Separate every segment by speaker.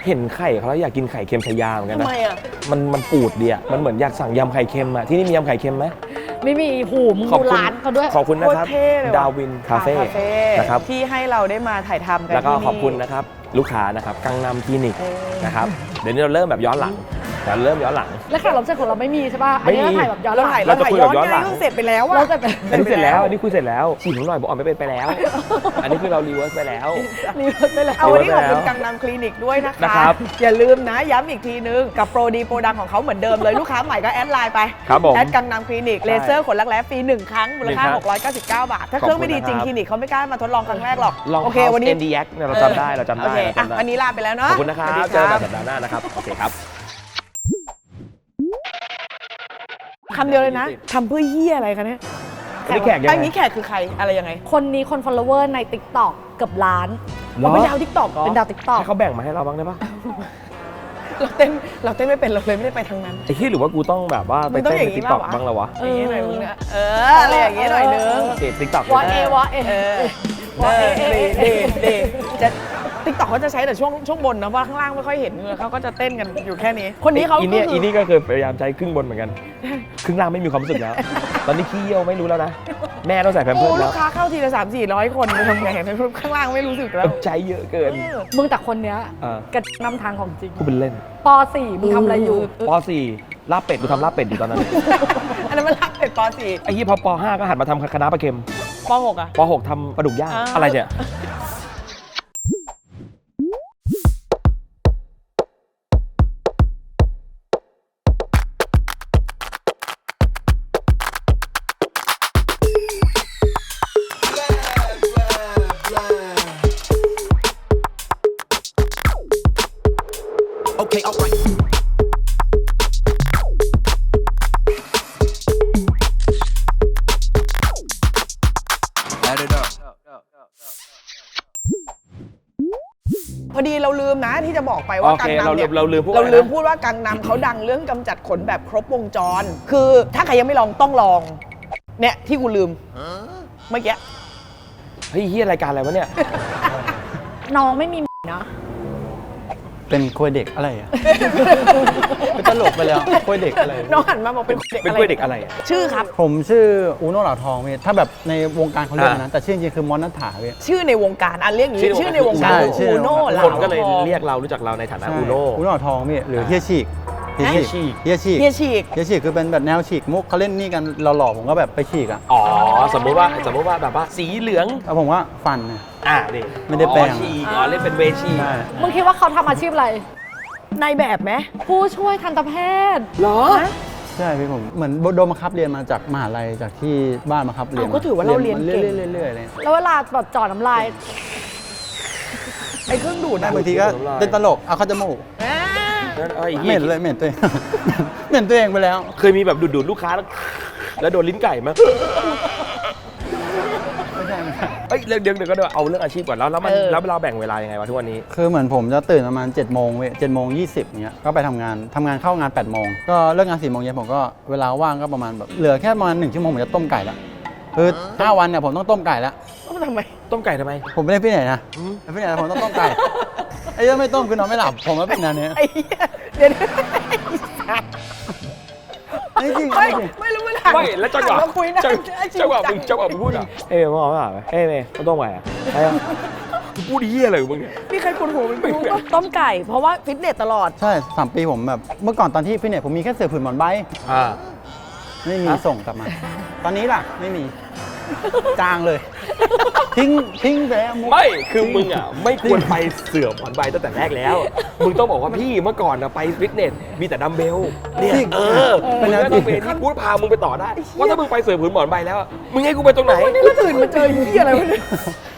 Speaker 1: เห็นไข่เขาแล้วอยากกินไข่เค็มชายาเหมือนกันนะ
Speaker 2: ทำไมอ่ะ
Speaker 1: มันปูดดีอ่ะมันเหมือนอยากสั่งยำไข่เค็มอ่ะที่นี่มียำไข่เค็มไหม
Speaker 3: ไม่มีหูมึงดูร้านเขาด้วย
Speaker 1: ขอบคุณนะครับ
Speaker 2: โคตรเท่เลยว่ะ
Speaker 1: ดาวินคาเฟ่นะครับ
Speaker 2: ที่ให้เราได้มาถ่ายทำกัน
Speaker 1: แล้วก็
Speaker 2: ที่นี่
Speaker 1: ขอบคุณนะครับลูกค้านะครับกังนำคลินิกนะครับเดี๋ยวนี้เราเริ่มแบบย้อนหลังเราเริ่มย้อนหลัง
Speaker 3: แล้วแขกรับเชิญของเราไม่มีใช่ป่ะอันนี้
Speaker 1: ไม่มี
Speaker 3: เราถ่ายแบบย้อนห
Speaker 2: เรา
Speaker 3: ลัง
Speaker 2: ถ่าย
Speaker 1: เราจะคุยแบบย้อนหลัง
Speaker 2: ไเพิ่งเสร็จไปแล้วอะ
Speaker 3: เราจะเป็น
Speaker 1: อันนี้เสร็จแล้วอันนี้คุยเสร็จแล้วฉีดหน่อยบอกอ่อนไม่เป็นไปแล้ว อันนี้คือเรารีเวิร์สไปแล้ว
Speaker 3: รีเวิร์สไปแล้ว
Speaker 2: เอาวันนี้ขอบคุณ
Speaker 1: แล้ว
Speaker 2: กังนำคลินิกด้วยนะ
Speaker 1: นะค
Speaker 2: คะ
Speaker 1: รับ
Speaker 2: อย่าลืมนะย้ำอีกทีนึงกับโปรดีโปรดังของเขาเหมือนเดิมเลยลูกค้าใหม่ก็แอดไลน์ไป
Speaker 1: ครับผม
Speaker 2: แอดกังนำคลินิกเลเซอร์ขนรักแร้ฟรี1 ครั้งมูลค่า
Speaker 1: หนึ่งครั้ง
Speaker 2: 699 บาท ถ้าเครื่องไม่ดีจริง
Speaker 1: ขอบ
Speaker 2: ค
Speaker 1: คุณนะครับ
Speaker 2: ลินิกเขาไม่กล้ามาทดลองครั้งแรกหรอก
Speaker 1: ลอง
Speaker 2: โอเควันนี้
Speaker 1: NDX เนี่ยเราจำได้เราจำ
Speaker 2: โอ
Speaker 1: ได้
Speaker 2: เค
Speaker 1: เรา
Speaker 2: อ่ะ
Speaker 1: จำได้
Speaker 2: วันนี้ลาไปแล้วเนาะ
Speaker 1: ขอบคุณนะครับ
Speaker 2: สวัสดี
Speaker 1: เจอกันสัปดาห์หน้านะครับโอเคครับ
Speaker 2: คำเดียวเลยนะทำเพื่อเหี้ยอะไรคะเนี่ย
Speaker 1: อันนี้แขกยังไง
Speaker 2: อันนี้แขกคือใครอะไรยังไง
Speaker 3: คนนี้คน follower ใน TikTok เกือบล้าน
Speaker 2: เราเป็นดาวทิกตอก
Speaker 3: เป็นดาว TikTok
Speaker 1: ให้เขาแบ่งมาให้เราบ้างได้ปะ
Speaker 2: เราเต้นไม่เป็นเราเลยไม่ได้ไปทางนั้น
Speaker 1: ไอ้ที่หรือว่ากูต้องแบบว่าไป
Speaker 2: มึงต้อง
Speaker 1: เต้น
Speaker 2: อย่าง
Speaker 1: ใน
Speaker 2: นี้
Speaker 1: ติ๊กต็อก
Speaker 2: ป่ะวะ
Speaker 1: บ้างเหรอวะ
Speaker 2: อย่างนี้หน่อยมึงเนี่ยอะไรอย่างนี้หน่อยนึง
Speaker 1: เด็ดติ๊กต็อก
Speaker 3: วอทเอวอทเอ
Speaker 2: เออ
Speaker 3: วอทเอเอเอ
Speaker 2: เดจะติ๊กต็อกเขาจะใช้แต่ช่วงบนนะว่าข้างล่างไม่ค่อยเห็นเขาก็จะเต้นกันอยู่แค่นี้ คนนี้เขา
Speaker 1: อีเนี่ย
Speaker 2: ก็
Speaker 1: อี
Speaker 2: คือ
Speaker 1: นี่ก็เคยพยายามใช้ครึ่งบนเหมือนกัน ครึ่งล่างไม่มีความรู้สึกแล้ว ตอนนี้ขี้เยี่ยวไม่รู้แล้วนะ แม่ต้องใส่แพมเพิ
Speaker 2: โอ้
Speaker 1: ร์ส
Speaker 2: ลู
Speaker 1: แล้ว
Speaker 2: กค้าเข้าทีละ300-400 คนไปทำไงข้างล่างไม่รู้สึกแล้ว
Speaker 1: ใช้เยอะเกิน
Speaker 3: มึงแต่คนเนี้ย
Speaker 1: อ่า
Speaker 3: กระนำทางของจริง
Speaker 1: กูเป็นเล่น
Speaker 3: ป .4 มึงทำอะไรอยู่
Speaker 1: ป .4 ลาบเป็ดกูทำลาบเป็ดอยู่ตอนนั้น
Speaker 2: อันนั้นมันรักเป็ดป
Speaker 1: ไอ้ยี่พอป .5 ก็หันมาทำคณะน้าปลาเค็ม
Speaker 2: .4 ป .6 อ่ะ
Speaker 1: ป .6 ทำปลาดุกย่าง
Speaker 2: อ่า
Speaker 1: อะไรเนี่ย
Speaker 4: Okay, alright. Add it up.
Speaker 2: พอดีเราลืมนะที่จะบอกไปว่า
Speaker 1: โอ
Speaker 2: กั
Speaker 1: เค
Speaker 2: งนำเนี่ย
Speaker 1: เราลืมพูด
Speaker 2: เรา
Speaker 1: อะไรนะ
Speaker 2: ลืมพูดว่ากังนำเขาดังเรื่องกำจัดขนแบบครบวงจร คือถ้าใครยังไม่ลองต้องลอง เนี่ยที่กูลืมเมื่อกี้
Speaker 1: เฮ้ยเฮียรายการอะไรวะเนี่ย
Speaker 3: น้องไม่มีนะ
Speaker 5: เป็นกล้วยเด็กอะไรอ่ะ เป็นตลกไปแล้วกล้วยเด็กอะไร
Speaker 2: น้องหันมาบอกเป็นเด็ก
Speaker 1: เป็น
Speaker 2: อะไร
Speaker 1: กล้วยเด็กอะไรอะ
Speaker 2: ชื่อครับ
Speaker 5: ผมชื่ออูโน่เหล่าทองพี่ถ้าแบบในวงการเขาเรียกนะ แต่ชื่อจริงๆคือมอนนัทถาพี่
Speaker 2: ชื่อในวงการอันเรียกอย่างนี้ชื่อในวงการ
Speaker 5: ใช่
Speaker 2: คือ
Speaker 5: ชื่อ
Speaker 2: อูโน่เหลา
Speaker 1: คนก็เลย
Speaker 2: ทอง
Speaker 1: เรียกเรารู้จักเราในฐานะ
Speaker 5: ใช่
Speaker 1: อูโน่
Speaker 5: อูโน่เหล่าทองพี่หรือเฮียฉีก
Speaker 1: เฮียฉีก
Speaker 5: เฮียฉีก
Speaker 2: เฮียฉีก
Speaker 5: เฮียฉีกคือเป็นแบบแนวฉีกมุกเขาเล่นนี่กันหล่อๆผมก็แบบไปฉีกอ่ะ
Speaker 1: อ๋อสมมติว่าแบบว่าสีเหลือง
Speaker 5: แล้วผมว่าฟันเนี่ย
Speaker 1: นี่
Speaker 5: ไม่ได้แปลง
Speaker 1: อ๋อฉีกอ๋อเล่นเป็นเวชี
Speaker 5: ใช่
Speaker 3: มึงคิดว่าเขาทำอาชีพอะไร
Speaker 2: ในแบบไหม
Speaker 3: ผู้ช่วยทันตแพทย์
Speaker 1: เหรอ
Speaker 5: ใช่พี่ผมเหมือนโดนบังคับเรียนมาจากมหาลัยจากที่บ้านบังคับเรียน
Speaker 2: เอาก็ถือว่าเราเรียนเก่ง
Speaker 5: เรื่อยๆเลย
Speaker 3: แล้วเวลาแบบจอดน้ำลาย
Speaker 2: ไอ้เครื่องดูดอะ
Speaker 5: บางทีก็เล่นตลกเอาเข้าจมูก
Speaker 2: อ่า
Speaker 5: เหม็นเลยเหม็นตัวเอง เหม็นตัวเองไปแล้ว
Speaker 1: เคยมีแบบดูดลูกค้าแล้วโดนลิ้นไก่ไหม
Speaker 5: ไม่ใช่ไม่ใช่
Speaker 1: เอ้ยเดี๋ยวก็เอาเรื่องอาชีพก่อนแล้วแล้วเราแบ่งเวลายังไงวะทุกวันนี้
Speaker 5: คือเหมือนผมจะตื่นประมาณ7โมงเว้ย7โมง20เงี้ยก็ไปทำงานเข้างาน8โมงก็เลิกงาน4โมงเย็นผมก็เวลาว่างก็ประมาณแบบเหลือแค่ประมาณ1ชั่วโมงผมจะต้มไก่ละคือ5วันเนี่ยผมต้องต้มไก่ละ
Speaker 2: ต้องทำไม
Speaker 1: ต้มไก่ทำไม
Speaker 5: ผมไม่ได้พี่ไหนนะพี่ไหนผมต้องต้มไก่ไอ้เรื่องไม่ต้มคือนอนไม่หลับผมว่าเป็นอันนี้
Speaker 2: ไอ้เหี้ยเดี๋ยว
Speaker 5: จริง
Speaker 2: ไม่รู้มันหัน
Speaker 1: ไม่แล้วจังหวะ
Speaker 2: หันมาคุยนะ
Speaker 1: จังหวะมึงพูดอ่ะเอ้ยมึงเอาไม่หาเอ้ยเมย์ต้มไก่อ่ะไอ้กูพูดเหี้ยอะไรของมึงเนี่ย
Speaker 2: มีใครคนหัวมันรู้ปะต้มไก่ เพราะว่าฟิตเนสตลอด
Speaker 5: ใช่3ปีผมแบบเมื่อก่อนตอนที่พี่เนี่ยผมมีแค่เสือผืนหมอนใบ
Speaker 1: อ่า
Speaker 5: ไม่มีส่งกลับมา ตอนนี้ล่ะไม่มีจางเลย ทิ้งไปแล้วมุก
Speaker 1: ไม่คือมึงอ่ะไม่ควรไปเสื่อมผ่อนใบตั้งแต่แรกแล้ว มึงต้องบอกว่าพี่เมื่อก่อนนะไปฟิตเนสมีแต่ดัมเบลเนี่ยเป็นดัมเบลที่กูพามึงไปต่อได้ว่าถ้ามึงไปเสื่อมผืนหมอนใบแล้วมึงให้กูไปตรงไหน
Speaker 2: นี่เราตื่นมาเจอเหี้ยอะไรวะเนี่ย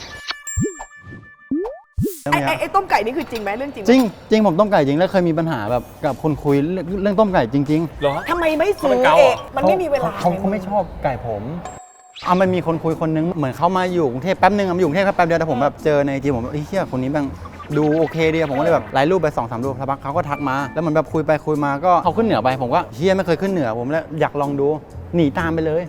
Speaker 2: ไอ้ต้มไก่นี่คือจริงไหมเรื่องจริงไหม
Speaker 5: จริงผมต้มไก่จริงแล้วเคยมีปัญหาแบบกับคนคุยเรื่องต้มไก่จริง
Speaker 1: เหรอ
Speaker 2: ทำไมไม่ซื้อ
Speaker 1: เขาเป็นเกา
Speaker 2: เอ
Speaker 1: เหรอ
Speaker 2: งมันไม่มีเวลา
Speaker 5: เขาไม่ชอบไก่ผมมันมีคนคุยคนนึงเหมือนเขามาอยู่กรุงเทพแป๊บนึงมาอยู่กรุงเทพแค่แป๊บเดียวแต่ผมแบบเจอในจีผมแบบเฮียคนนี้แม่งดูโอเคดีผมก็เลยแบบไลน์รูปไป2-3รูปสักพักเขาก็ทักมาแล้วเหมือนแบบคุยไปคุยมาก็เขาขึ้นเหนือไปผมก็เฮียไม่เคยขึ้นเหนือผมแล้วอยากลองดูหนีตามไปเลย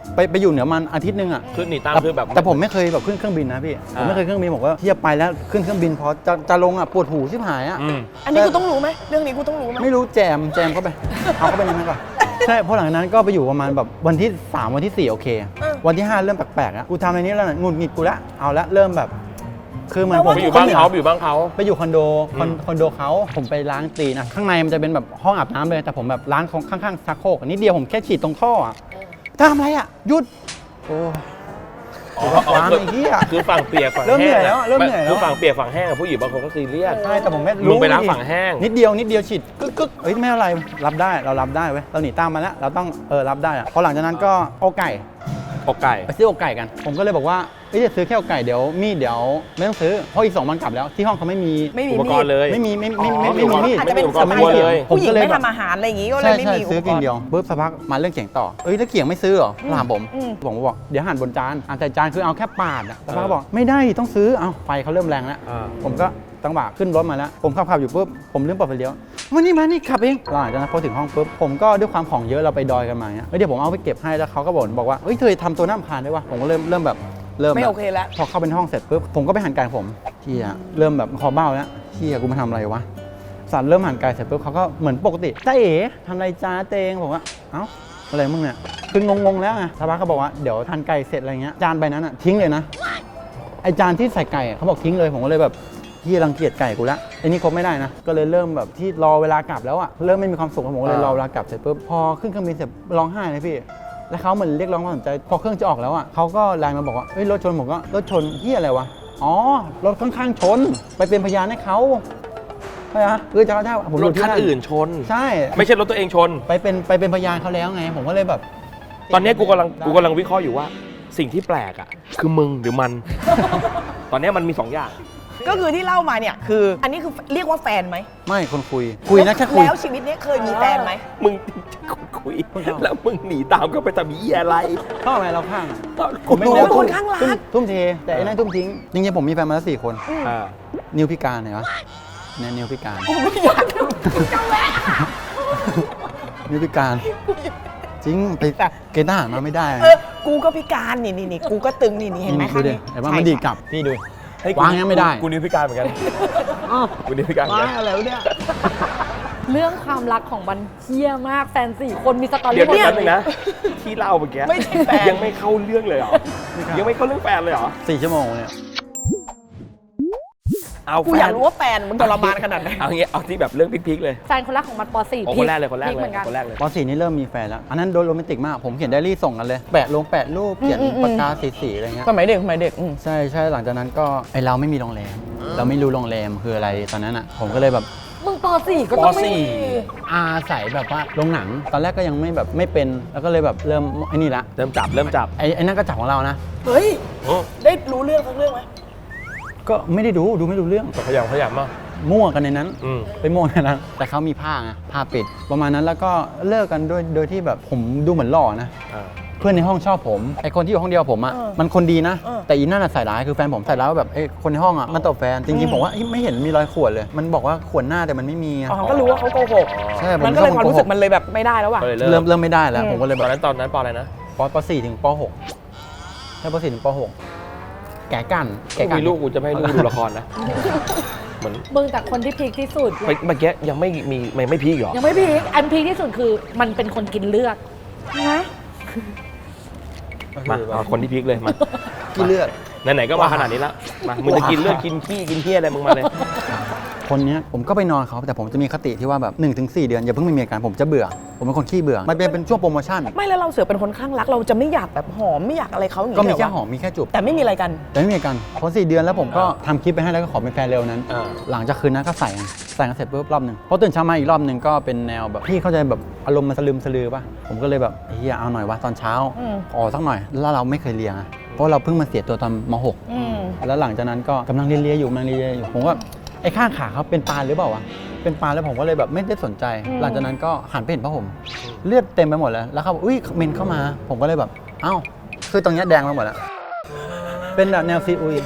Speaker 5: ไปอยู่เหนือมันอาทิตย์นึงอ่ะ
Speaker 1: คือหนีตามคือแบบ
Speaker 5: แต่ผมไม่เคยแบบขึ้นเครื่องบินนะพี่ผมไม่เคยเครื่องบินบอกว่าที่จะไปแล้วขึ้นเครื่องบินพอจะลงอ่ะปวดหูชิบหายอ่ะ
Speaker 2: อันนี้กูต้องรู้ไหมเรื่องนี้กูต้องรู้ไหม
Speaker 5: ไม่รู้แจมเข้าไปเอาเข้าไปในนั้นก่อนใช่เพราะหลังจากนั้นก็ไปอยู่ประมาณแบบวันที่ 3 วันที่ 4 โอเค วันที่ 5 เริ่มแปลกๆแล้วกูทำในนี้แล้วหงุดหงิดกูละเอาละเริ่มแบบคือเหมือนผม
Speaker 1: ไปอยู่บ้านเขาไปอยู่บ้านเขา
Speaker 5: ไปอยู่คอนโดเขาผมไปล้างตีนนะข้างในมันจะเป็นแบบห้องอาบน้ำเลยแต่ผมแบบล้างข้างๆซักโครกนิดเดียวผมแค่ฉีดตรงท่ออ่ะทำอะไรอ่ะหยุดโอ้ล้างไอ้เหี้ย
Speaker 1: คือฝั่งเปียกฝั่ง
Speaker 5: เริ่มเหนื่
Speaker 1: แห้
Speaker 5: อย
Speaker 1: ง
Speaker 5: แล้วเริ่มเหนื่อยแล้ว
Speaker 1: คือฝั่งเปียกฝั่งแห้งกับผู้หญิงบางคนก็ซีเรียส
Speaker 5: ใช่แต่ผมไม่
Speaker 1: มึงไปล้างฝั่งแห้ง
Speaker 5: นิดเดียวฉีดกึกเอ้ยไม่อะไรรับได้เรารับได้เว้ยเราหนีตามมาแล้วเราต้องรับได้อะพอหลังจากนั้นก็เอาไก่
Speaker 1: อกไก่
Speaker 5: ไปซื้ออกไก่กัน ผมก็เลยบอกว่าจะซื้อแค่อกไก่เดี๋ยวมีดเดี๋ยวไม่ต้องซื้อเพราะอีก2 วันกลับแล้วที่ห้องเขาไม่มี
Speaker 2: ไม่มี
Speaker 1: อุป
Speaker 2: มี
Speaker 1: กร
Speaker 2: ด
Speaker 1: ณ์เลย
Speaker 5: ไม่มีมีด
Speaker 2: อาจจะเป็น
Speaker 1: อุปกรณ์
Speaker 2: สมัย
Speaker 1: ครัวเลย
Speaker 2: ผู้หญิง
Speaker 5: ผมก็เลย
Speaker 2: ไม่ทำอาหารอะไรอย่างงี้ก็เลย
Speaker 5: ใช่
Speaker 2: ไม่
Speaker 5: ใช่
Speaker 2: มีอุ
Speaker 5: ซื้อ
Speaker 2: ป
Speaker 5: กิ
Speaker 2: ก
Speaker 5: น
Speaker 2: รณ์
Speaker 5: เดียวปุ๊บสักพักมาเรื่องเขียงต่อแล้วเขียงไม่ซื้อเหรอถามผมผมก็บอกเดี๋ยวหั่นบนจานแต่จานคือเอาแค่ปาดอ่ะสักพักบอกไม่ได้ดิต้องซื้อเอาไฟเขาเริ่มแรงแล้ว ผมก็ตั้งบ่าขึ้นรถมาแล้วผมขับอยู่ปุ๊บผมลืมเปิดไฟเลี้ยวมานี่ขับเองหลังจากนั้นพอถึงห้องปุ๊บผมก็ด้วยความของเยอะเราไปดอยกันมาเนี่ยเดี๋ยวผมเอาไปเก็บให้แล้วเขาก็บอกว่าเธอทำตัวน่ารำคาญได้วะผมก็เริ่มแบบ
Speaker 2: ไม่โอเคแล้ว
Speaker 5: พอเข้าไปในห้องเสร็จปุ๊บผมก็ไปหั่นไก่ผมที่เริ่มแบบคอเบ้าแล้วที่กูมาทำอะไรวะสันเริ่มหั่นไก่เสร็จปุ๊บเขาก็เหมือนปกติจ้าเอ๋ทำอะไรจ้าเตงผมว่าเอ้าอะไรมึงเนี่ยคืองงแล้วไงชาวบ้านเขาบอกว่าเดี๋ยวทานไก่เสร็จอะไรเงี้ยจานใบนั้นอ่ะทิ้งเลยนะไอจานที่ใส่ไก่เขาบอกทิ้งเลยผมก็เลยแบบที่รังเกียจไก่กูละไอ้นี่คบไม่ได้นะก็เลยเริ่มแบบที่รอเวลากลับแล้วอ่ะเริ่มไม่มีความสุขผมก็เลยรอเวลากลับเสร็จปุ๊บพอขึ้นเครื่องบินเสร็จร้องไห้เลยพี่แล้วเขาเหมือนเรียกร้องความสนใจพอเครื่องจะออกแล้วอ่ะเขาก็ไลน์มาบอกว่าเฮ้ยรถชนผมก็รถชนเฮียอะไรวะอ๋อรถข้างๆชนไปเป็นพยานให้เขาใช่ไหมคือจะได้ผม
Speaker 1: รถคันอื่นชน
Speaker 5: ใช่
Speaker 1: ไม่ใช่รถตัวเองชน
Speaker 5: ไปเป็นพยานเขาแล้วไงผมก็เลยแบบ
Speaker 1: ตอนนี้กูกำลังวิเคราะห์อยู่ว่า สิ่งที่แปลกอ่ะคือมึงหรือมัน ตอนนี้มันมี2 อย่าง
Speaker 2: ก็คือที่เล่ามาเนี่ยคืออันนี้คือเรียกว่าแฟนไหม
Speaker 5: ไม่คนคุยนะแค่คุย
Speaker 2: แล้วชีวิตนี้เคยมีแฟนไหม
Speaker 1: มึงคุยแล้วมึงหนีตามก็ไปทำอีอะไร
Speaker 5: ชอบไหมเราข้าง
Speaker 1: ผมไม่
Speaker 2: โอ้
Speaker 1: รู้
Speaker 2: เป็นคนข้างรัก
Speaker 5: ทุ่มเทแต่ไอ้นั่นทุ่มทิ้งจริงๆผมมีแฟนมาแล้ว4 คน
Speaker 1: อ่า
Speaker 5: นิวพิการเห็นปะเนี่ยนิวพิการ
Speaker 2: กูไม่อยากจังแหวะ
Speaker 5: นิวพิการจริงไปเกณฑ์ทหารมาไม่ได้
Speaker 2: กูก็พิการนี่กูก็ตึงนี่เห็นไหม
Speaker 5: ดูดิเห็นว่ามันดีดกลับพี่ดู
Speaker 1: ให้กู
Speaker 5: วางยังไม่ได้
Speaker 1: กูนิ้วพิการเหมือนกันกูนิ้วพิการเหมือน
Speaker 5: ว้า
Speaker 1: กัน
Speaker 5: อะไรวะเนี่ย
Speaker 3: เรื่องความรักของมันเฮี้ยมากแฟน4 คนมีสตอ
Speaker 1: เดี๋ยว
Speaker 3: รี่หมด
Speaker 1: แป๊บ
Speaker 3: เล
Speaker 1: นึ
Speaker 3: ย
Speaker 1: งนะที่เล่าเมื่อกี้
Speaker 2: ไม่ใช่แฟน
Speaker 1: ยังไม่เข้าเรื่องเลยเหรอยังไม่เข้าเรื่องแฟนเลยเหรอ
Speaker 5: 4 ชั่วโมงเนี่ย
Speaker 1: เอา
Speaker 2: กู
Speaker 1: แฟ
Speaker 2: อยาก
Speaker 1: น
Speaker 2: รู้ว่าแฟนมันทรมานขนาดไหน
Speaker 1: เอางี้เอาที่แบบเรื่องพีคๆเลย
Speaker 3: แฟนคนแรกของมันป .4
Speaker 1: โอ้คนแรกเลยคนแรก
Speaker 3: พี
Speaker 1: เล
Speaker 3: เห
Speaker 1: ย
Speaker 3: มือนกัน
Speaker 1: คนแรกเลย
Speaker 5: ป .4 นี่เริ่มมีแฟนแล้วอันนั้นโดนโรแมนติกมากผมเขียนไดอารี่ส่งกันเลยแปะรูปเขียนปากกาสีอะไรเงี้ย
Speaker 2: สมัยเด็ก
Speaker 5: ใช่หลังจากนั้นก็ไอเราไม่มีโรงแรมเราไม่รู้โรงแรมคืออะไรตอนนั้นอ่ะผมก็เลยแบบ
Speaker 3: มึงป .4 ก็ต้องไม่มี
Speaker 5: อาศัยแบบว่าโรงหนังตอนแรกก็ยังไม่แบบไม่เป็นแล้วก็เลยแบบเริ่มไอ้นี่ละ
Speaker 1: เริ่มจับ
Speaker 5: ไอ้นั่นก็จับของเรานะ
Speaker 2: เฮ้ย
Speaker 1: โอ้
Speaker 2: ได้รู้เรื่องสักเรื่องไหม
Speaker 5: ก็ไม่ได้ดูไม่รู้เรื่อง
Speaker 1: ขยำมาก
Speaker 5: มั่วกันในนั้น
Speaker 1: อืม
Speaker 5: ไปมั่วกันนั้นแต่เขามีผ้าไงผ้าปิด ประมาณนั้นแล้วก็เลิกกันโดยที่แบบผมดูเหมือนหล่อนะ
Speaker 1: อ่า
Speaker 5: เพื่อนในห้องชอบผมไอคนที่อยู่ห้องเดียวผมอ่ะมันคนดีนะ แต่อีนั่นอะใส่ร้ายคือแฟนผมใส่ร้ายว่าแบบไอคนในห้องอ่ะมันตบแฟนจริงๆผมว่าไม่เห็นมีรอยข่วนเลย มันบอกว่าข่วนหน้าแต่มันไม่มีอะ
Speaker 2: อ๋อก็รู้ว่าเขาโกหก
Speaker 5: ใช่ผม
Speaker 2: มันก็เลยความรู้สึก
Speaker 5: โกห
Speaker 2: มันเลยแบบไม่ได้แล้วว่ะ
Speaker 1: ก็เลย
Speaker 5: เริ่มไม่ได้แล้วผมก็เลย
Speaker 1: ต
Speaker 5: แบ
Speaker 1: อบ นนั้นปออะไรนะ
Speaker 5: ป .4 ถึงป .6 ใช่ป .4 ถึงป .6 แก่กัน
Speaker 1: กูมีลูกกูจะไม่ให้ลูกดูละครนะเหมือน
Speaker 3: มึงแต่คนที่พีคที่สุด
Speaker 1: เมื่อกี้ยังไม่พีคเหรอ
Speaker 3: ยังไม่พีคอันพีคที่สุดคือมันเป็นคนกินเลือดนะ
Speaker 1: มาเอาคนที่พีคเลยมา
Speaker 5: กี่เลือด
Speaker 1: ไหนๆก็มาขนาดนี้แล้วมามึงจะกินเลือดกินขี้กินเหี้ยอะไรมึงมาเลย
Speaker 5: คนเนี้ยผมก็ไปนอนเขาแต่ผมจะมีคติที่ว่าแบบ 1-4 เดือนอย่าเพิ่งมีอาการผมจะเบื่อ ผมเป็นคนขี้เบื่อมันเป็นช่วงโปรโมชั่น
Speaker 2: ไม่แล้วเราเสือเป็นคนข้างรักเราจะไม่อยากแบบหอมไม่อยากอะไรเขาอย่าง
Speaker 5: ก็มี
Speaker 2: นี้
Speaker 5: แค่
Speaker 2: เห
Speaker 5: ห
Speaker 2: ร
Speaker 5: อมมีแค่จูบ
Speaker 2: แต่ไม่มีอะไรกัน
Speaker 5: แต่ไม่มีอาการพอ4 เดือนแล้วผมก็ทำคลิปไปให้แล้วก็ขอเป็นแฟนเร็วนั้น
Speaker 1: อ่า
Speaker 5: หลังจากคืนนั้นก็ใส่กันเสร็จปุ๊บรอบหนึ่งพอตื่นเช้ามาอีกรอบหนึ่งก็เป็นแนวแบบพี่เข้าใจแบบอารมณ์มันสลืมสลือป่ะผมก็เลยแบบเฮียเอาหน่อยวะตอนเช้าขอสักหน่อยแล้วเราไม่เคยเลี้ยงอะเพราะเราเพิ่งมาเสียตัวตอนม .6 แล้วหลังจากนั้นก็กำลังเลียอยู่ผมก็ไอ้ข้างขาเขาเป็นปานหรือเปล่าวะเป็นปานแล้วผมก็เลยแบบไม่ได้สนใจ หลังจากนั้นก็หันไปเห็นผ้าห่มเลือดเต็มไปหมดแล้วแล้วเขาบอกอุ้ยเมนเข้ามา ผมก็เลยแบบเอ้าคือตรงเนี้ยแดงไปหมดแล้วเป็นแบบแนวซีอุย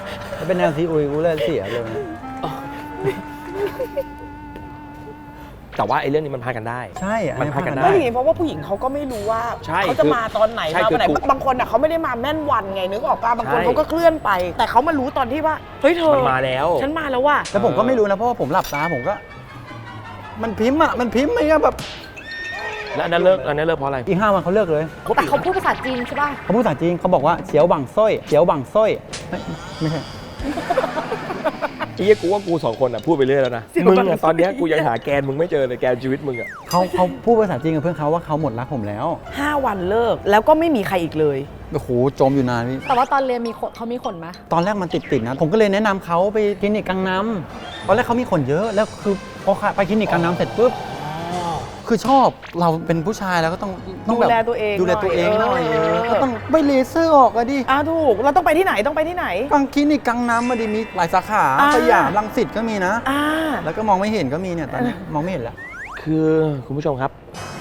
Speaker 5: เป็นแนวซีอุยกูเลยเสียเลย
Speaker 1: แต่ว่าไอ้เรื่องนี้มันพากันได้
Speaker 5: ใช่อั
Speaker 1: มันพากันได้
Speaker 2: ไม่อย่างนี้เพราะว่าผู้หญิงเขาก็ไม่รู้ว่า
Speaker 1: ใช่
Speaker 2: เขาจะมาตอนไหน
Speaker 1: ใช่
Speaker 2: มาวันไหน
Speaker 1: คือ
Speaker 2: บางคนอ่ะเขาไม่ได้มาแม่นวันไงนึกออกป่ะบางคน
Speaker 1: ใช่
Speaker 2: เขาก็เคลื่อนไป แต่เขามารู้ตอนที่ว่าเฮ้ยเธอ
Speaker 1: มันมาแล้ว
Speaker 2: ฉันมาแล้วว่ะ
Speaker 5: แต่ผมก็ไม่รู้นะเพราะว่าผมหลับตาผมก็ มันพิมพ์ไม่งั้นแบบ
Speaker 1: แล้วอันนั้นเลิกเพราะอะไร
Speaker 5: อีก5 วันเขาเลิกเลย
Speaker 3: แต่เขาพูดภาษาจีนใช่ป่ะ
Speaker 5: เขาพูดภาษาจีนเขาบอกว่าเฉียวบังส้อยเฉียวบังส้อยไม่ใช่
Speaker 1: ไอ้เหี้ยกูว่ากู2คนอ่ะพูดไปเรื่อยแล้วนะมึงอ่ะตอนเนี้ยกูยังหาแกนมึงไม่เจอเลยแกนชีวิตมึงอ่ะ
Speaker 5: เขาพูดภาษาจีนกับเพื่อนเขาว่าเขาหมดรักผมแล้ว
Speaker 2: 5 วันเลิกแล้วก็ไม่มีใครอีกเลย
Speaker 5: โอ้โหจมอยู่นานพี่
Speaker 3: แต่ว่าตอนเรียนมีขนเขามีขนไหม
Speaker 5: ตอนแรกมันติดนะผมก็เลยแนะนำเขาไปคลินิกกังน้ำตอนแรกเขามีขนเยอะแล้วคือพอไปคลินิกกังน้ำเสร็จปุ๊บคือชอบเราเป็นผู้ชายแล้วก็ต้องแบบ
Speaker 2: ดูแลตัวเอง
Speaker 5: ดูแลตัวเองหน่อย
Speaker 2: เออ
Speaker 5: ก็ต้องไปเลเซอร์ออกอะดิ
Speaker 2: ถูกเราต้องไปที่ไหนต้องไปที่ไหน
Speaker 5: บางคลินิกกังน้ำมาดิมีหลายสาขา
Speaker 2: อ่า
Speaker 5: สยามรังสิตก็มีนะ
Speaker 2: อ่า
Speaker 5: แล้วก็มองไม่เห็นก็มีเนี่ยตอนนี้มองไม่เห็นแล้ว
Speaker 1: คือคุณผู้ชมครับ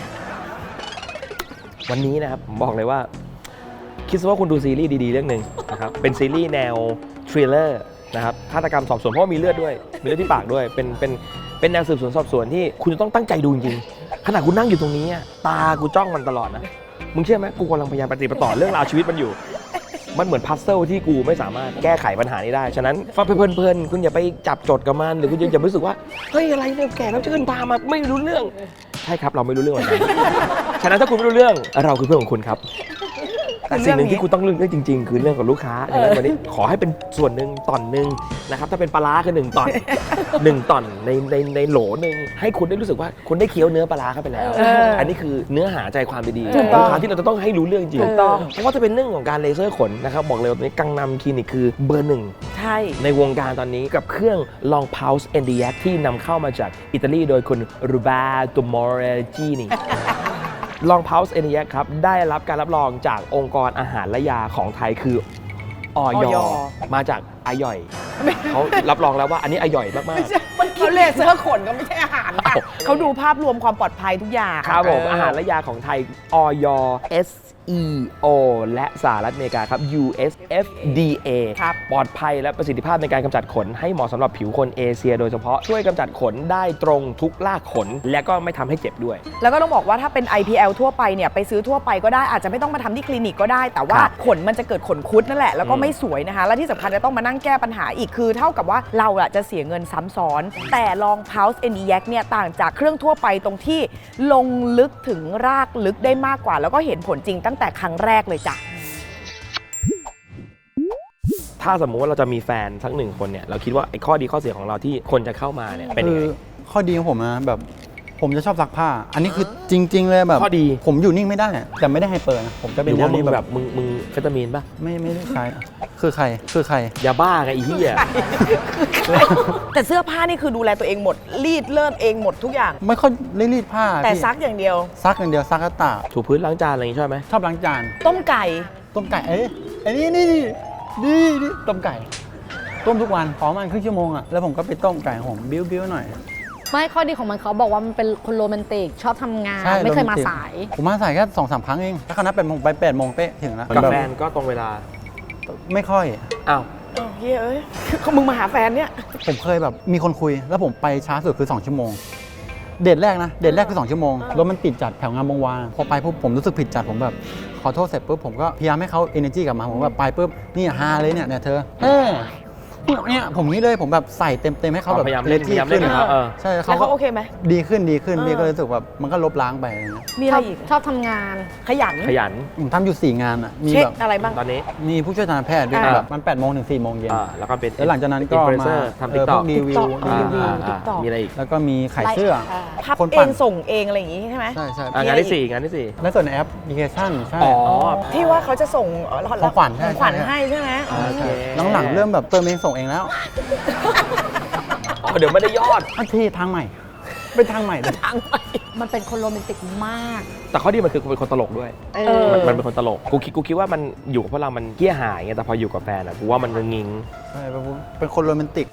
Speaker 1: วันนี้นะครับผมบอกเลยว่า คิดซะว่าคุณดูซีรีส์ดีๆเรื่องหนึ่งนะครับเป็นซีรีส์แนวทริลเลอร์นะครับฆาตกรรมสอบสวนเพราะว่ามีเลือดด้วยมีเลือดที่ปากด้วยเป็นแนวสืบสวนสอบสวนที่คุณจะต้องตั้งใจดูจริงๆขณะกูนั่งอยู่ตรงนี้อะตากูจ้องมันตลอดนะมึงเชื่อไหมกูกำลังพยายามปฏิบัติต่อเรื่องราวชีวิตมันอยู่ มันเหมือนพัซเซิลที่กูไม่สามารถแก้ไขปัญหานี้ได้ฉะนั้นฟังเพลินๆคุณอย่าไปจับจดกับมันหรือคุณอย่ารู้สึกว่าเฮ้ยอะไรเนี่ยแก่แล้วเชิญพามาไม่รู้เรื่องใช่ครับเราไม่รู้เรื่องเหมือนกันฉะนั้นถ้าคุณไม่รู้เรื่องเราคือเพื่อนของคุณครับแต่สิ่งหนึ่งที่คุณต้องเรื่องจริงๆคือเรื่องของลูกค้าดังนั้นวันนี้ขอให้เป็นส่วนหนึ่งตอนหนึ่งนะครับถ้าเป็นปลาร้าคือ1 ตอน 1 ตอนในโหลหนึ่งให้คุณได้รู้สึกว่าคุณได้เคี้ยวเนื้อปลาร้าเข้าไปแล้ว อันนี้คือเนื้อหาใจความดีๆ
Speaker 2: ถู
Speaker 1: ข
Speaker 2: ก
Speaker 1: อง
Speaker 2: ต้อง
Speaker 1: ลูกค้าที่เราจะต้องให้รู้เรื่องจริง
Speaker 2: ถูกต้อง
Speaker 1: เพราะว่าจะเป็นเรื่องของการเลเซอร์ขนนะครับบอกเลยว่าตอนนี้กังนำคลินิกคือเบอร์ 1
Speaker 2: ใช่
Speaker 1: ในวงการตอนนี้กับเครื่อง Long Pulse NDX ที่นำเข้ามาจากอิตาลีโดยคุณรูบาโตมอร์จินี Long Pulse NDX ครับได้รับการรับรองจากองค์กรอาหารและยาของไทยคืออย มาจากอายอยเขารับรองแล้วว่าอันนี้อายอยมาก
Speaker 2: ไม่ใช่มันเขาเลเซอร์ขนก็ไม่ใช่อาหารค่ะ
Speaker 1: อ้าว
Speaker 2: เขาดูภาพรวมความปลอดภัยทุกอย่าง
Speaker 1: ๆครับผมอาหารและยาของไทยอย SEO และสหรัฐอเมริกาครับ USFDA
Speaker 2: ครับ
Speaker 1: ปลอดภัยและประสิทธิภาพในการกำจัดขนให้เหมาะสำหรับผิวคนเอเชียโดยเฉพาะช่วยกำจัดขนได้ตรงทุกรากขน และก็ไม่ทำให้เจ็บด้วย
Speaker 2: แล้วก็ต้องบอกว่าถ้าเป็น IPL ทั่วไปเนี่ยไปซื้อทั่วไปก็ได้อาจจะไม่ต้องมาทำที่คลินิกก็ได้ แต่ว่า
Speaker 1: ครับ
Speaker 2: ขนมันจะเกิดขนคุดนั่นแหละแล้วก็ไม่สวยนะคะ และที่สำคัญจะต้องมานั่งแก้ปัญหาอีกคือเท่ากับว่าเราอะจะเสียเงินซ้ำซ้อน แต่ลอง Pulse NDX เนี่ยต่างจากเครื่องทั่วไปตรงที่ลงลึกถึงรากลึกได้มากกว่า แล้วก็เห็นผลจริงตั้งแต่ครั้งแรกเลยจ้ะ
Speaker 1: ถ้าสมมุติว่าเราจะมีแฟนสัก1 คนเนี่ยเราคิดว่าไอ้ข้อดีข้อเสียของเราที่คนจะเข้ามาเนี่ยเป็นยัง
Speaker 5: คือ
Speaker 1: ไง
Speaker 5: ข้อดีของผมนะแบบผมจะชอบซักผ้า อันนี้คือจริง ๆ เลยแบบ
Speaker 1: ข้อดี
Speaker 5: ผมอยู่นิ่งไม่ได้แต่ไม่ได้ไฮเปอร์นะผมจะ
Speaker 1: ห
Speaker 5: เป็น
Speaker 1: รือ
Speaker 5: แน
Speaker 1: ว่าว มึ
Speaker 5: นี้
Speaker 1: ง
Speaker 5: แบ
Speaker 1: แบบ บมึงเฟตามีนป่ะ
Speaker 5: ไม่ได้ใครคือใคร
Speaker 1: ยาบ้าไงไอ้เหี้ย
Speaker 2: แต่เสื้อผ้านี่คือดูแลตัวเองหมดรีดเลิศเองหมดทุกอย่าง
Speaker 5: ไม่ค่อยได้รีดผ้า
Speaker 2: แต่
Speaker 5: พี่
Speaker 2: ซักอย่างเดียว
Speaker 5: ซักอย่างเดียวซักกระตาก
Speaker 1: ถูพื้นล้างจานอะไรอย่างงี้ชอบไหม
Speaker 5: ชอบล้างจาน
Speaker 2: ต้มไก่
Speaker 5: ต้มไก่ไอ้นี่ต้มไก่ ต้มทุกวันพอมันครึ่งชั่วโมงอะแล้วผมก็ไปต้มไก่ของผมบิ้วหน่อย
Speaker 3: ไม่ข้อดีของมันเขาบอกว่ามันเป็นคนโรแมนติกชอบทำงาน
Speaker 5: ใช่
Speaker 3: ไม่เคยมา
Speaker 5: โรแมนติก
Speaker 3: สาย
Speaker 5: ผมมาสายแค่2-3 ครั้งเองถ้าคณะ8 โมงไป8 โมงเป๊ะถึงแล้ว
Speaker 1: กับ
Speaker 5: บบ
Speaker 1: แฟนก็ตรงเวลา
Speaker 5: ไม่ค่อย
Speaker 1: อ้าว
Speaker 2: เฮ้ยเอ้ยเขามึงมาหาแฟนเนี่ย
Speaker 5: ผมเคยแบบมีคนคุยแล้วผมไปช้าสุดคือ2 ชั่วโมง เดทแรกคือ2 ชั่วโมงรถมันติดจัดแถวงามวงวานพอไปปุ๊บผมรู้สึกผิดจัดผมแบบขอโทษเสร็จปุ๊บผมก็พยายามให้เขา energy กลับมาผมแบบไปปุ๊บนี่ฮาเลยเนี่ยเธอเนี่ยผมนี้เลยผมแบบใส่เต็มให้เขาแบบ
Speaker 1: พยายามเล่น
Speaker 5: ที่
Speaker 1: พยายามเล่
Speaker 5: ขึ้
Speaker 1: น
Speaker 5: น
Speaker 1: นะครับ
Speaker 5: ใช่
Speaker 2: แล้ว
Speaker 5: เขา
Speaker 2: เขา
Speaker 5: ก็
Speaker 2: โอเคไหม
Speaker 5: ดีขึ้นพี่ก็เลยรู้สึกแบบมันก็ลบล้างไปอะไรเงี้ย
Speaker 2: มีอะไรอีก
Speaker 3: ชอบทำงาน
Speaker 2: ขยัน
Speaker 1: ขยัน
Speaker 5: ผมทำอยู่4 งานอ่ะมี
Speaker 2: เช็ค
Speaker 5: แบบ
Speaker 2: อะไรบ้าง
Speaker 1: ตอนนี้
Speaker 5: มีผู้ช่วยทางแพทย์ด้วย
Speaker 2: อ่า
Speaker 5: แบบมัน8 โมงถึง 4 โมงเย็น
Speaker 1: แล้วก็เป็น
Speaker 5: แล้วหลังจากนั้นก็
Speaker 1: อินฟลูเอน
Speaker 5: มา
Speaker 1: เซอร์ทำ
Speaker 5: พ
Speaker 1: ติ๊ก
Speaker 5: ว
Speaker 1: ต็อก
Speaker 5: กรีวิว
Speaker 2: TikTok
Speaker 1: มีอะไรอีก
Speaker 5: แล้วก็มีขายเสื้อ
Speaker 2: พับ
Speaker 5: คน
Speaker 2: เอ
Speaker 5: ปั่น
Speaker 2: งส่งเองอะไรอย่างงี้ใช่ไหม
Speaker 5: ใช่
Speaker 1: งานที่ 4 งานที่
Speaker 5: และส่วนแอปพลิเคชันใช่
Speaker 1: 4 อ๋อ
Speaker 2: ที่ว่าเขาจะส่ง
Speaker 5: ของขวัญ
Speaker 2: ของขวัญ
Speaker 5: ใช่
Speaker 2: ให้ใช่ไหม
Speaker 1: โอเค
Speaker 5: หลังๆเริ่มแบบเติมเองส่งเองแล้ว
Speaker 1: อ๋อเดี๋ยวไม่ได้ยอด
Speaker 5: อันที่ทางใหม่ เป็นทางใหม่เลย
Speaker 3: มันเป็นคนโรแมนติกมาก
Speaker 1: แต่ข้อดีมันคือเป็นคนตลกด้วย มันเป็นคนตลก กูคิดว่ามันอยู่กับพวกเรา มันเกี้ยหายไงแต่พออยู่กับแฟนอะกูว่ามันงิง
Speaker 5: ใช่เป็นคนโรแมนติก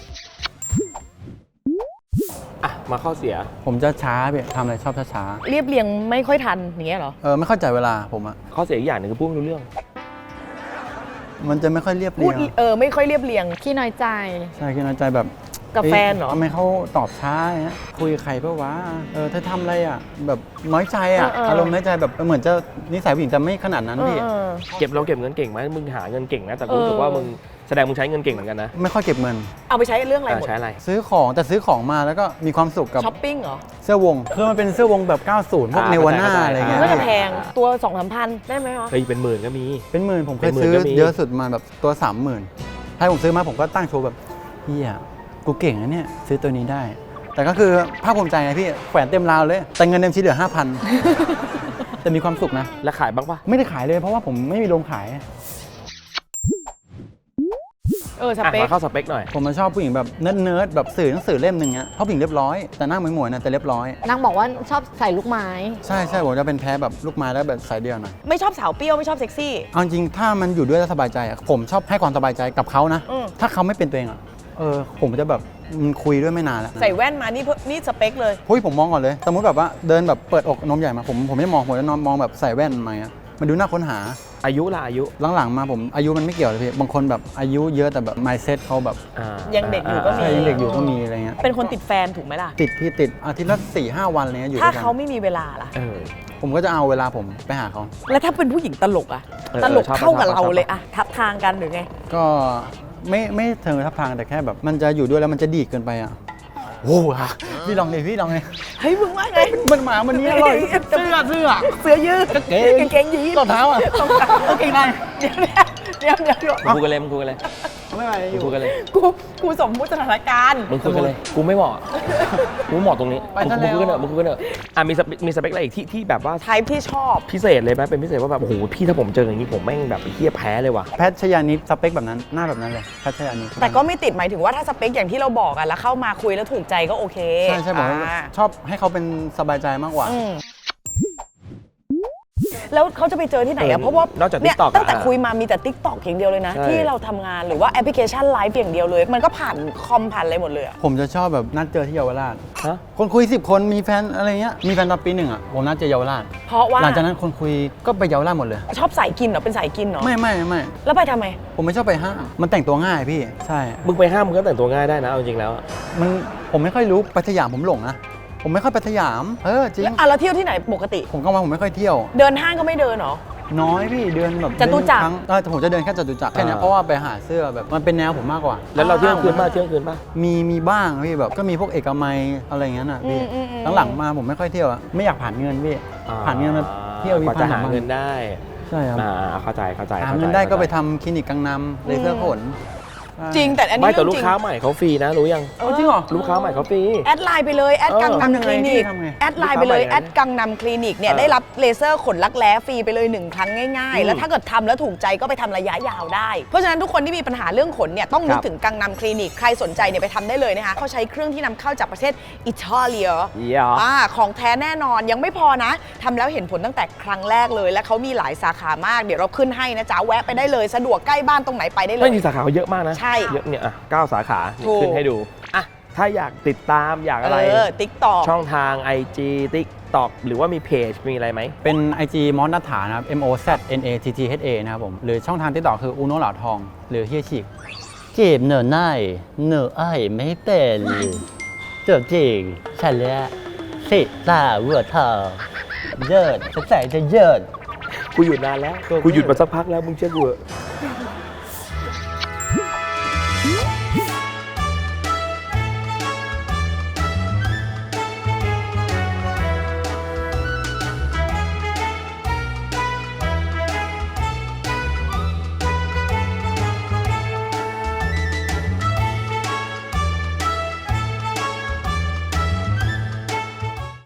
Speaker 1: อ่ะมาข้อเสีย
Speaker 5: ผมจะช้าพี่ทำอะไรชอบช้า
Speaker 2: เรียบเรียงไม่ค่อยทันอย่างเงี้ยเหรอ
Speaker 5: ไม่เข้าใจเวลาผมอะ
Speaker 1: ข้อเสียอีกอย่างหนึงคือพูดไม่รู้เรื่อง
Speaker 5: มันจะไม่ค่อยเรียบ
Speaker 2: พู
Speaker 5: เรี
Speaker 2: ด
Speaker 5: ยง
Speaker 2: ไม่ค่อยเรียบเรียง
Speaker 3: ขี้น้อยใจ
Speaker 5: ใช่คิดในใจแบบ
Speaker 2: กับแฟนเหรอ
Speaker 5: ทำไมเขาตอบช้าอย่างเงี้ยคุยกับใครเปล่าวะเธอทำอะไรอ่ะแบบน้อยใจอ่ะ อารมณ์น้อยใจแบบเหมือนจะนิสัยผู้หญิงจะไม่ขนาดนั้นพี่
Speaker 1: เก็บเงินเก่งไหมมึงหาเงินเก่งนะแต่กูรู้สึกว่ามึงแสดงมึงใช้เงินเก่งเหมือนกันนะ
Speaker 5: ไม่ค่อยเก็บเงิน
Speaker 2: เอาไปใช้เรื่องอะไรหมด
Speaker 1: ใช้อะไร
Speaker 5: ซื้อของแต่ซื้อของมาแล้วก็มีความสุขกับ
Speaker 2: ช้อปปิ้งเหรอ
Speaker 5: เสื้อวงคือมันเป็นเสื้อวงแบบ 90 พวกเนวาน่าอะไรเงี้ย
Speaker 2: ก็จะแพงตัว 2-3 พันได้ไหมคะ
Speaker 1: เฮ้ยเป็นหมื่นก็มี
Speaker 5: เป็นหมื่นผมเค
Speaker 1: เป็
Speaker 5: ย
Speaker 1: นหมื่น
Speaker 5: ซื้อ
Speaker 1: ก็มี
Speaker 5: เยอะสุดมาแบบตัว 30,000ถ้าผมซื้อมาผมก็ตั้งโชว์แบบเฮียกูเก่งนะเนี่ยซื้อตัวนี้ได้ แต่ก็คือภาคภูมิใจไงพี่แขวนเต็มราวเลย แต่เงินเต็มชิ้นเหลือ 5,000 แต่มีความสุขนะ
Speaker 1: แล้วขายบ้างปะ
Speaker 5: ไม่ได้ขายเลยเพราะว่าผมไม่มีโรงขาย
Speaker 2: สเป
Speaker 1: มา
Speaker 2: ค
Speaker 1: เข้าสเปคหน่อย
Speaker 5: ผมมาชอบผู้หญิงแบบเนิร์ดๆแบบสื่อหนังสือเล่มหนึ่งเงี้ยเพราะผู้หญิงเรียบร้อยแต่หน้าหมวยๆนะแต่เรียบร้อย
Speaker 3: นางบอกว่าชอบใส่ลูกไม้
Speaker 5: ใช่ผมจะเป็นแพ้แบบลูกไม้แล้วแบบสายเดียวหน่อย
Speaker 2: ไม่ชอบสาวเปรี้ยวไม่ชอบเซ็กซี่
Speaker 5: เอาจริงถ้ามันอยู่ด้วยแล้วสบายใจอะผมชอบให้ความสบายใจกับเขานะ
Speaker 2: อืม
Speaker 5: ถ้าเขาไม่เป็นตัวเองอะผมจะแบบคุยด้วยไม่นานแล้ว
Speaker 2: ใส่แว่นมานี่สเปคเลย
Speaker 5: เฮ้ยผมมองก่อนเลยสมมติแบบว่าเดินแบบเปิดอกนมใหญ่มาผมไม่มองผมจะมองแบบใส่แว่นมาอะมันดูน่าค้นหา
Speaker 1: อายุล่ะอายุ
Speaker 5: หลังๆมาผมอายุมันไม่เกี่ยวเลยพี่บางคนแบบอายุเยอะแต่แบบ mindset เขาแบบ
Speaker 2: ยังเด็กอยู่ก็มี
Speaker 5: ใช่ยังเด็กอยู่ก็มีอะไรเงี้ย
Speaker 2: เป็นคนติดแฟนถูกไหมล่ะ
Speaker 5: ติดอาทิตย์ละ4-5 วันอะไรเงี้ยอยู่
Speaker 2: ถ้า
Speaker 5: ด้วยกัน
Speaker 2: เขาไม่มีเวลาล่ะ
Speaker 5: ผมก็จะเอาเวลาผมไปหาเขา
Speaker 2: แล้วถ้าเป็นผู้หญิงตลกอะตลกเข้ากับเราเลยอะทับทางกันหรือไง
Speaker 5: ก็ไม่เทิงทับทางแต่แค่แบบมันจะอยู่ด้วยแล้วมันจะดีดเกินไปอ่ะโอ้โหพี่ลองเลย
Speaker 2: เฮ้ยมึงว่าไง
Speaker 5: มันหมามันนี้อร่อยเสื้อยืด
Speaker 2: กางเกงยีน
Speaker 5: รองเท้าอ่ะกางเกงใน
Speaker 2: เดี๋ยว
Speaker 1: มึงคุยกันเลยมึงคุยกันเลย
Speaker 5: ไม่ไหวอ
Speaker 1: มึง
Speaker 5: ยู่
Speaker 1: คุยกันเลย
Speaker 2: กูสมมุติสถานการณ์
Speaker 1: มึงคุยกันเลยกูไม่เหมาะกูเหมาะตรงนี้
Speaker 5: ไป
Speaker 1: มึง
Speaker 5: ซะ
Speaker 1: คุยกันเถ
Speaker 5: แล้ว
Speaker 1: อะมึงคุยกันเถอะมีสเปคอะไรอีกที่แบบว่า
Speaker 2: ไทป์ที่ชอบ
Speaker 1: พิเศษเลยไหมเป็นพิเศษว่าแบบโอ้โหพี่ถ้าผมเจออย่างนี้ผมแม่งแบบเฮี้ยแพ้เลยว่ะ
Speaker 5: แพทชยานิดสเปคแบบนั้นหน้าแบบนั้นเลยแพทชยานิด
Speaker 2: แต่ก็ไม่ติดหมายถึงว่าถ้าสเปคอย่างที่เราบอกอะแล้วเข้ามาคุยแล้วถูกใจก็โอเค
Speaker 5: ใช่ผมว่า
Speaker 2: อ่า
Speaker 5: ชอบให้เขาเป็นสบายใจมากกว่า
Speaker 2: อืมแล้วเขาจะไปเจอที่ไหนอะเพราะว่าน
Speaker 1: อกจาก
Speaker 2: เนี่ย
Speaker 1: TikTok
Speaker 2: ตั้งแต่คุยมามีแต่ TikTok อย่างเดียวเลยนะ
Speaker 1: ใช่
Speaker 2: ที่เราทำงานหรือว่าแอปพลิเคชันไลฟ์อย่างเดียวเลย มันก็ผ่านคอมผ่านอะไรหมดเลยอะ
Speaker 5: ผมจะชอบแบบนัดเจอที่เยาวราช
Speaker 1: ฮะ
Speaker 5: คนคุย10 คนมีแฟนอะไรเงี้ยมีแฟนตอนปี 1อ่ะผมนัดเจอเยาวราช
Speaker 2: เพราะว่า
Speaker 5: หลังจากนั้นคนคุยก็ไปเยาวราชหมดเลย
Speaker 2: ชอบสายกินเหรอเป็นสายกินเหรอ
Speaker 5: ไม่
Speaker 2: แล้วไปทำไม
Speaker 5: ผมไม่ชอบไปห้างมันแต่งตัวง่ายพี่ใช่
Speaker 1: มึงไปห้ามมึงก็แต่งตัวง่ายได้นะเอาจริงๆแล้วอะ
Speaker 5: มันผมไม่ค่อยรู้ไปสยามผมหลงนะ ผมไม่ค่อยไปสยามจริง
Speaker 2: แล้วเที่ยวที่ไหนปกติ
Speaker 5: ผมก็ว่าผมไม่ค่อยเที่ยว
Speaker 2: เดินห้างก็ไม่เดินเหรอ
Speaker 5: น้อยพี่เดินแบบ
Speaker 2: จตุจักร
Speaker 5: เดินครั้งแต่ผมจะเดินแค่จตุจักรแค่นี้เพราะว่าไปหาเสื้อแบบมันเป็นแนวผมมากกว่า
Speaker 1: แล้วเราเที่ยงคืนป่ะเที่ยงคืนป่ะ
Speaker 5: มีบ้างพี่แบบก็มีพวกเอกมัยอะไรอย่างนั้นอ่ะพี่หลังๆมาผมไม่ค่อยเที่ยวอะไม่อยากผ่านเงินพี่ผ่านเงินมาเที่ยว
Speaker 1: กว่าจะหา
Speaker 5: 1,000
Speaker 1: เงินได้
Speaker 5: ใช่ครับ
Speaker 1: เข้าใจ
Speaker 5: หาเงินได้ก็ไปทำคลินิกกังนำเลเซอร์ขน
Speaker 2: จริงแต่อันนี้
Speaker 1: ไม่แต่
Speaker 2: เรื่
Speaker 1: ลู
Speaker 2: อง
Speaker 1: ก
Speaker 2: จริง
Speaker 1: ค้าใหม่เขาฟรีนะรู้ยัง
Speaker 5: จริงเหรอ
Speaker 1: ลูกค้าใหม่เขาฟรี
Speaker 2: แอดไลน์ไปเลยแอดกัง
Speaker 5: ทำยั
Speaker 2: นำ
Speaker 5: ง
Speaker 2: ค
Speaker 5: ไง
Speaker 2: ลินิก
Speaker 5: ทำไง
Speaker 2: แอดไลน์ไปเลย
Speaker 1: ลูกค้าใหม่
Speaker 2: แอดกังนำคลินิกเนี่ยได้รับเลเซอร์ขนรักแร้ฟรีไปเลย1 ครั้งง่ายๆ แล้วถ้าเกิดทำแล้วถูกใจก็ไปทำระยะยาวได้ เพราะฉะนั้นทุกคนที่มีปัญหาเรื่องขนเนี่ยต้องนึกถึงกังนำคลินิกใครสนใจเนี่ยไปทำได้เลยนะคะเขาใช้เครื่องที่นำเข้าจากประเทศอิตาเลีย ของแท้แน่นอนยังไม่พอนะทำแล้วเห็นผลตั้งแต่ครั้งแรกเลย และเขามีหลายสาขามากเดี๋ยวเราขึ้นให้นะจ๊ะแวะไปได้เลยสะดวกใกล้บ้านตรงไหนไปได้เล
Speaker 1: ไม่
Speaker 2: ย
Speaker 1: มีสาขาเขาเยอะมากนะ
Speaker 2: ใช่
Speaker 1: เยอะเนี่ย9 สาขา
Speaker 2: ถูก
Speaker 1: ขึ้นให้ดูอ่ะถ้าอยากติดตามอยากอะไร
Speaker 2: ติ๊กต็อก
Speaker 1: ช่องทาง IG TikTok หรือว่ามีเพจมีอะไรไหม
Speaker 5: เป็น IG มอสนัฐานะครับ MOZNATTHA นะครับผมหรือช่องทางที่ต่อคืออูโนเหล่าทอง หรือเฮียฉีกเจ็บเหนอหน้าเหนอไอ้ไม่เป็นเจ็บจริงฉันแล้วสิตาเวอร์เธอเยิดจะใส่จะเยิด
Speaker 1: กูหยุดนานแล้วกูหยุดมาสักพักแล้วมึงเชื่อกูเหอะ